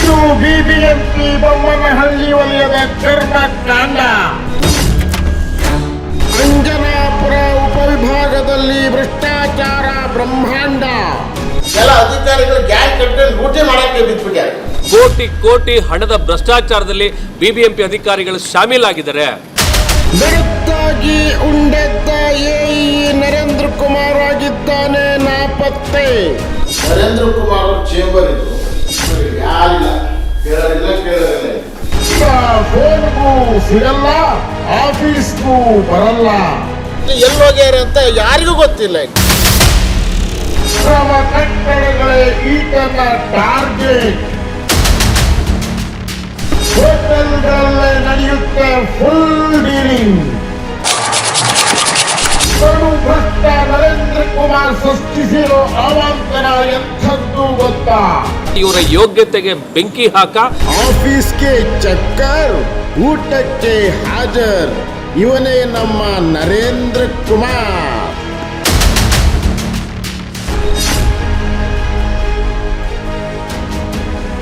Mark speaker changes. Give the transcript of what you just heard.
Speaker 1: ಇದು ಬಿಬಿಎಂಪಿ ಬೊಮ್ಮನಹಳ್ಳಿ ವಲಯದ ಕರ್ಮಕಾಂಡ. ಅಂಜನಾಪುರ ಉಪವಿಭಾಗದಲ್ಲಿ ಭ್ರಷ್ಟಾಚಾರ ಬ್ರಹ್ಮಾಂಡ.
Speaker 2: ಕೆಲ ಅಧಿಕಾರಿಗಳು ಗ್ಯಾಂಗ್ ಕಟ್ಕೊಂಡು ಲೂಟಿ ಮಾಡಕ್ಕೆ ಬಿಟ್ಬಿಟ್ಟಾರೆ.
Speaker 3: ಕೋಟಿ ಕೋಟಿ ಹಣದ ಭ್ರಷ್ಟಾಚಾರದಲ್ಲಿ ಬಿಬಿಎಂಪಿ ಅಧಿಕಾರಿಗಳು ಶಾಮೀಲಾಗಿದ್ದಾರೆ.
Speaker 1: ಬೆಳತ್ತಾಗಿ ಉಂಡೆದ್ದ ಎಇ ನರೇಂದ್ರ ಕುಮಾರ್ ಆಗಿದ್ದಾನೆ ನಾಪತ್ತೆ.
Speaker 2: ನರೇಂದ್ರ ಕುಮಾರ್ ಚೇಂಬರ್ ಇದು ಯಾರಿಲ್ಲ, ಕೇಳಲಿಲ್ಲ.
Speaker 1: ಫೋನ್ಗೂ ಸಿಗಲ್ಲ, ಆಫೀಸ್ಗೂ ಬರಲ್ಲ.
Speaker 2: ಎಲ್ಲೋಗ್ಯಾರ ಅಂತ ಯಾರಿಗೂ ಗೊತ್ತಿಲ್ಲ.
Speaker 1: ಶ್ರಮ ಕಟ್ಟಡಗಳೇ ಈತನ ಟಾರ್ಗೆಟ್. ಹೋಟೆಲ್ಗಳಲ್ಲೇ ನಡೆಯುತ್ತೆ ಫುಲ್ ಡೀಲಿಂಗ್. ಭ್ರಷ್ಟ ನರೇಂದ್ರ ಕುಮಾರ್ ಸೃಷ್ಟಿಸಿರೋ ಅವಾಂತರ ಎಂಥದ್ದು ಗೊತ್ತಾ?
Speaker 3: ಇವರ ಯೋಗ್ಯತೆಗೆ ಬೆಂಕಿ ಹಾಕ.
Speaker 1: ಆಫೀಸ್ಗೆ ಚಕ್ಕರ್, ಊಟಕ್ಕೆ ಹಾಜರ್. ಇವನೇ ನಮ್ಮ ನರೇಂದ್ರ ಕುಮಾರ್.